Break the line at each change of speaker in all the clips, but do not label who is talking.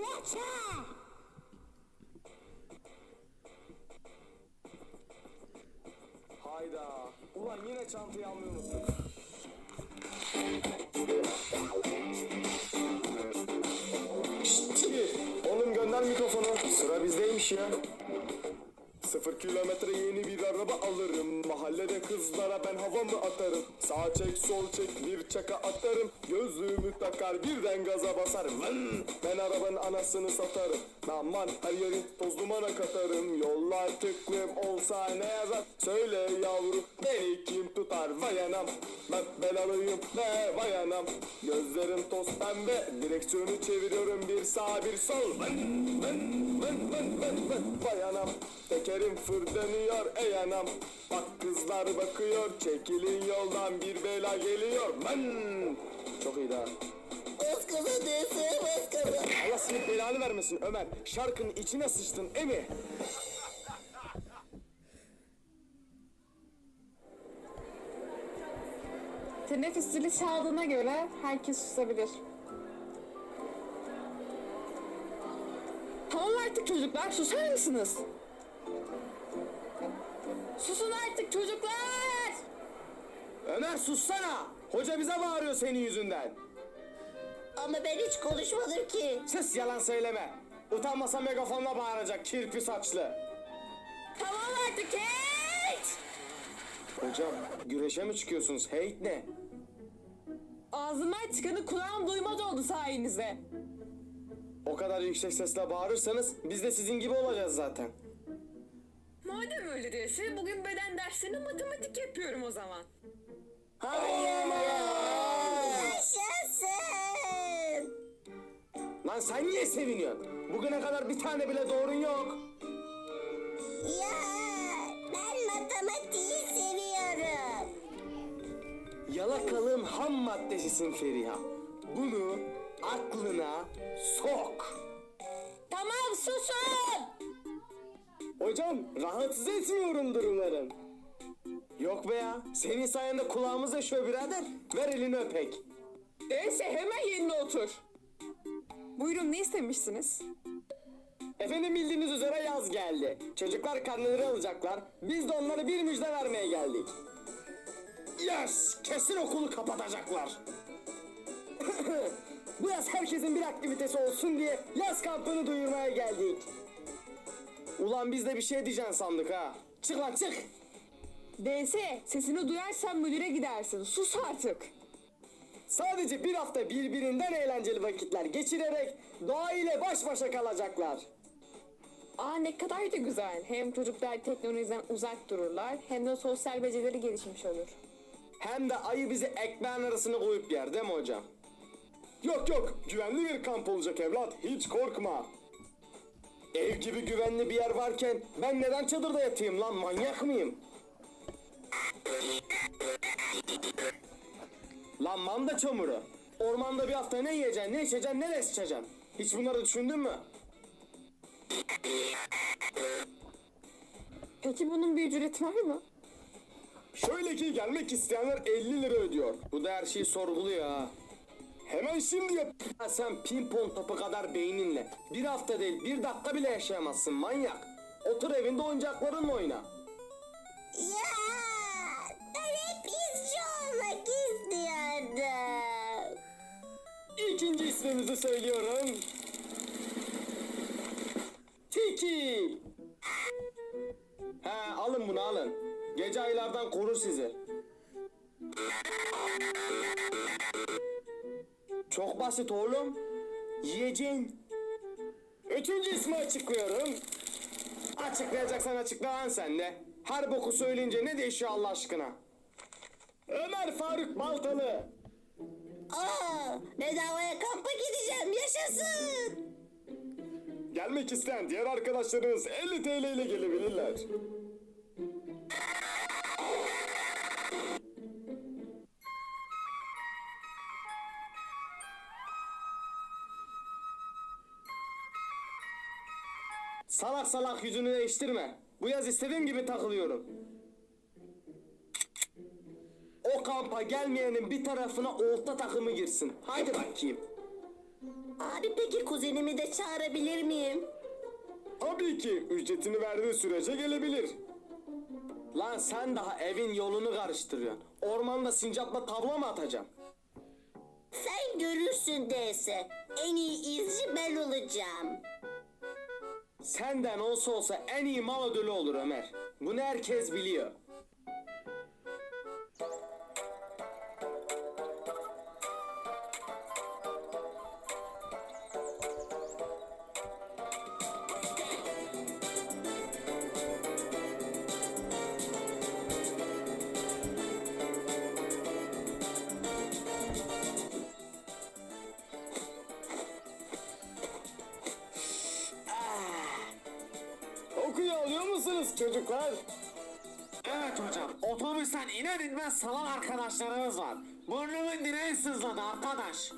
Hayda. Ulan yine çantayı almayı unuttuk. Şşt, oğlum gönder mikrofonu. Sıra bizdeymiş ya. 0 kilometre yeni bir araba alırım. Mahallede kızlara ben havamı atarım. Sağ çek sol çek bir çaka atarım. Gözlüğümü takar birden gaza basarım. Vın! Ben arabanın anasını satarım. Aman her yeri toz dumana katarım. Yollar tıklım olsa ne yazar? Söyle yavrum beni kim tutar? Vay anam ben belalıyım ne vay anam. Gözlerim toz pembe. Direksiyonu çeviriyorum bir sağ bir sol. Vın vın vın vın vın vın. Vay anam. Tekerim fır dönüyor ey anam. Bak kızlar bakıyor. Çekilin yoldan bir bela geliyor. Ben. Çok iyi daha.
Baskala DS baskala.
Allah senin belanı vermesin Ömer. Şarkının içine sıçtın emi.
Teneffüs zili çaldığına göre herkes susabilir. Tamam artık çocuklar, susar mısınız? Susun artık çocuklar!
Ömer sussana. Hoca bize bağırıyor senin yüzünden.
Ama ben hiç konuşmadım ki.
Sus yalan söyleme. Utanmasa megafonla bağıracak kirpi saçlı.
Tamam artık Kate!
Hocam güreşe mi çıkıyorsunuz? Hate ne?
Ağzımdan çıkanı kulağım duymaz oldu sayenizde.
O kadar yüksek sesle bağırırsanız biz de sizin gibi olacağız zaten.
Madem öyle diyorsun, bugün beden dersini matematik yapıyorum o zaman.
Hayır. Yaşasın.
Lan sen niye seviniyorsun? Bugüne kadar bir tane bile doğrun yok.
Ya ben matematiği seviyorum.
Yalakalığın ham maddesisin Feriha. Bunu aklına sok.
Tamam susun!
Hocam rahatsız etmiyorumdur umarım. Yok be ya. Senin sayende kulağımız yaşıyor birader. Ver elini öpek.
Neyse hemen yerine otur. Buyurun ne istemişsiniz?
Efendim bildiğiniz üzere yaz geldi. Çocuklar karneleri alacaklar. Biz de onlara bir müjde vermeye geldik. Yes! Kesin okulu kapatacaklar. Bu yaz herkesin bir aktivitesi olsun diye yaz kampını duyurmaya geldik. Ulan biz de bir şey diyeceksin sandık ha. Çık lan çık.
DS sesini duyarsan müdüre gidersin. Sus artık.
Sadece bir hafta birbirinden eğlenceli vakitler geçirerek doğa ile baş başa kalacaklar.
Aa ne kadar da güzel. Hem çocuklar teknolojiden uzak dururlar hem de sosyal becerileri gelişmiş olur.
Hem de ayı bizi ekmeğin arasına koyup yer değil mi hocam? Yok yok güvenli bir kamp olacak evlat hiç korkma. Ev gibi güvenli bir yer varken ben neden çadırda yatayım lan manyak mıyım? Lan manda çamuru. Ormanda bir hafta ne yiyeceksin, ne içeceksin, ne de içeceksin? Hiç bunları düşündün mü?
Peki bunun bir ücreti var mı?
Şöyle ki gelmek isteyenler 50 lira ödüyor. Bu da her şeyi sorguluyor ha. Hemen şimdi yap. Ha, sen pimpon topu kadar beyninle bir hafta değil bir dakika bile yaşayamazsın manyak. Otur evinde oyuncaklarınla oyna.
Ya ben hep izci olmak istiyordum.
İkinci ismimizi söylüyorum. Tiki. He alın bunu alın. Gece aylardan korur sizi. Çok basit oğlum. Yiyeceksin. Üçüncü ismi açıklıyorum. Açıklayacaksan açıkla lan sen de. Her boku söyleyince ne değişiyor Allah aşkına? Ömer Faruk Baltalı.
Aa bedavaya kampa gideceğim yaşasın.
Gelmek isteyen diğer arkadaşlarınız 50 TL ile gelebilirler. Salak salak yüzünü değiştirme. Bu yaz istediğim gibi takılıyorum. O kampa gelmeyenin bir tarafına olta takımı girsin. Haydi bakayım.
Abi peki kuzenimi de çağırabilir miyim?
Tabii ki ücretini verdiği sürece gelebilir. Lan sen daha evin yolunu karıştırıyorsun. Ormanda sincapla tavla mı atacaksın?
Sen görürsün DS. En iyi izci ben olacağım.
Senden olsa en iyi mal ödülü olur Ömer. Bunu herkes biliyor. Okuyu alıyor musunuz çocuklar?
Evet hocam. Otobüsten iner inmez salan arkadaşlarımız var. Burnumun direği sızladı arkadaş.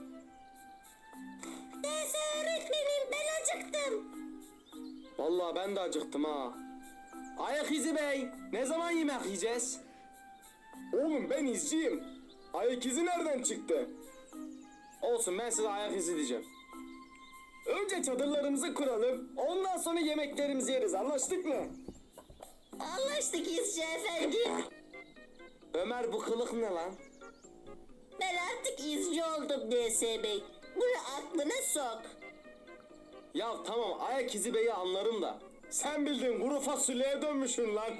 DS öğretmenim ben acıktım.
Vallahi ben de acıktım ha. Ayak izi bey, ne zaman yemek yiyeceğiz? Oğlum ben izciyim. Ayak izi nereden çıktı? Olsun ben size ayak izi diyeceğim. Önce çadırlarımızı kuralım, ondan sonra yemeklerimizi yeriz, anlaştık mı?
Anlaştık izci efendi.
Ömer bu kılık ne lan?
Ben artık izci oldum DS Bey. Bunu aklına sok.
Ya tamam ayak izi beyi anlarım da. Sen bildiğin kuru fasulyeye dönmüşsün lan.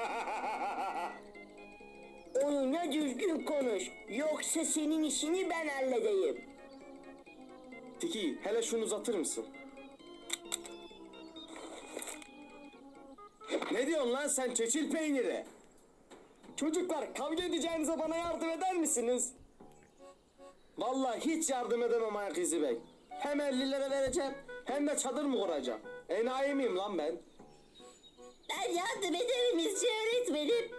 Onunla düzgün konuş. Yoksa senin işini ben halledeyim.
Tiki hele şunu uzatır mısın? Ne diyorsun lan sen çeçil peyniri? Çocuklar kavga edeceğinize bana yardım eder misiniz? Vallahi hiç yardım edemem ayak izi bey. Hem 50 lira vereceğim hem de çadır mı kuracağım? Enayi miyim lan ben?
Ben yardım ederim izci öğretmenim.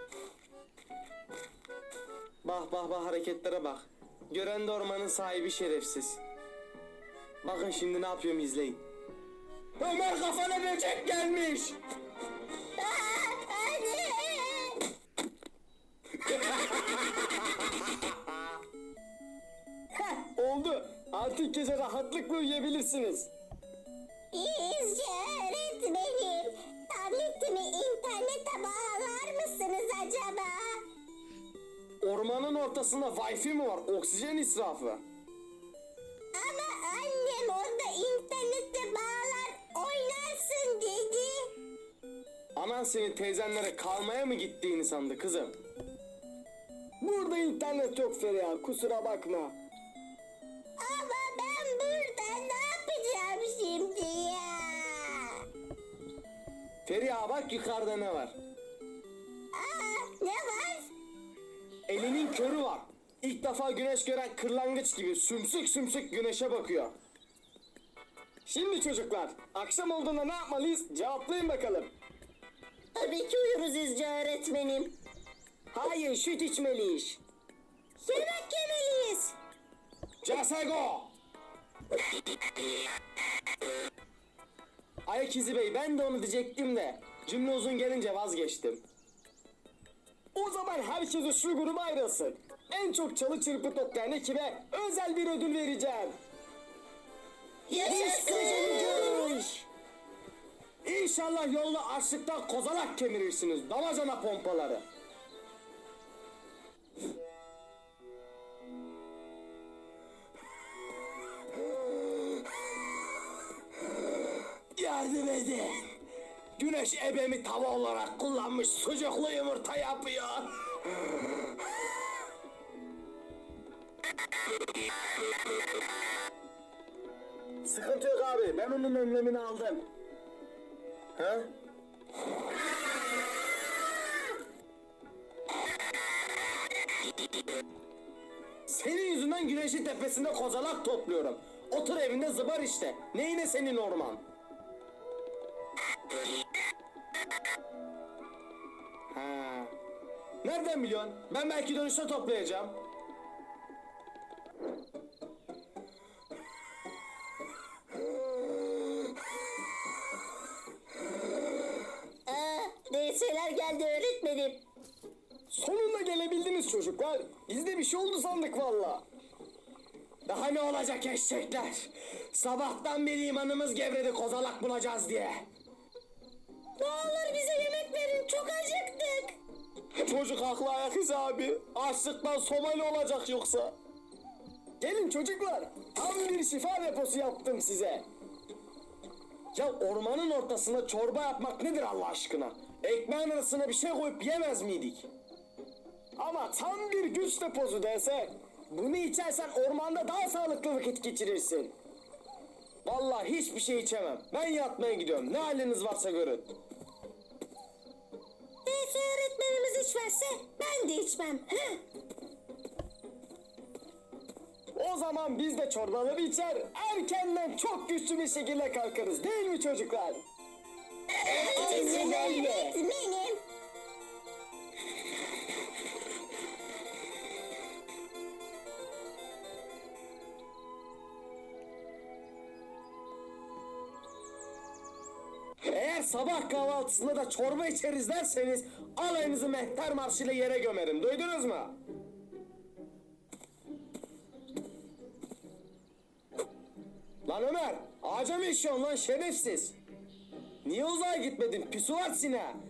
Bak bak bak hareketlere bak. Gören de ormanın sahibi şerefsiz. Bakın şimdi ne yapıyorum izleyin. Ömer kafana böcek gelmiş.
Anne!
Oldu. Artık gece rahatlıkla uyuyabilirsiniz.
İzci öğretmenim. Tabletimi internete bağlar mısınız acaba?
Ormanın ortasında Wi-Fi mi var? Oksijen israfı.
Ama annem orada internete bağlar oynarsın dedi.
Anan senin teyzenlere kalmaya mı gittiğini sandı kızım. Burada internet yok Feriha, kusura bakma.
Ama ben burada ne yapacağım şimdi ya?
Feriha bak yukarıda ne var?
Ne var?
Elinin körü var. İlk defa güneş gören kırlangıç gibi sümsük sümsük güneşe bakıyor. Şimdi çocuklar, akşam olduğunda ne yapmalıyız? Cevaplayın bakalım.
Tabii ki uyuruz izci öğretmenim.
Hayır, süt içmeliyiz.
Yemek yemeliyiz.
Casego! Ayak izi bey, ben de onu diyecektim de cümle uzun gelince vazgeçtim. O zaman herkes şu gruba ayrılsın. En çok çalı çırpı toplayan ekibe özel bir ödül vereceğim.
Yaşasın.
İnşallah yolda açlıktan kozalak kemirirsiniz. Damacana pompaları. Yardım edin. Güneş ebemi tava olarak kullanmış sucuklu yumurta yapıyor. Sıkıntı yok abi. Ben onun önlemini aldım. Ha? Senin yüzünden güneşin tepesinde kozalak topluyorum. Otur evinde zıbar işte. Neyine senin orman? Ha. Nereden biliyorsun? Ben belki dönüşte toplayacağım.
DS'ler geldi öğretmenim.
Sonunda gelebildiniz çocuklar. Bizde bir şey oldu sandık valla.
Daha ne olacak eşekler? Sabahtan beri imanımız gevredi kozalak bulacağız diye.
Ne olur bize yemek verin, çok acıktık.
Çocuk haklı ayak izi abi. Açlıktan Somali olacak yoksa.
Gelin çocuklar, tam bir şifa deposu yaptım size. Ya ormanın ortasına çorba yapmak nedir Allah aşkına? Ekmeğin arasına bir şey koyup yemez miydik? Ama tam bir güç deposu dese, bunu içersen ormanda daha sağlıklı vakit geçirirsin. Vallahi hiçbir şey içemem. Ben yatmaya gidiyorum. Ne haliniz varsa görün.
DS öğretmenimiz içmezse ben de içmem. Heh.
O zaman biz de çorbaları içer, erkenden çok güçlü bir şekilde kalkarız değil mi çocuklar?
Öğretmenim.
Eğer sabah kahvaltısında da çorba içeriz derseniz alayınızı mehter marşıyla yere gömerim. Duydunuz mu? Lan Ömer, ağaca mı işiyorsun lan şerefsiz? Niye uzağa gitmedin pisuvat sine?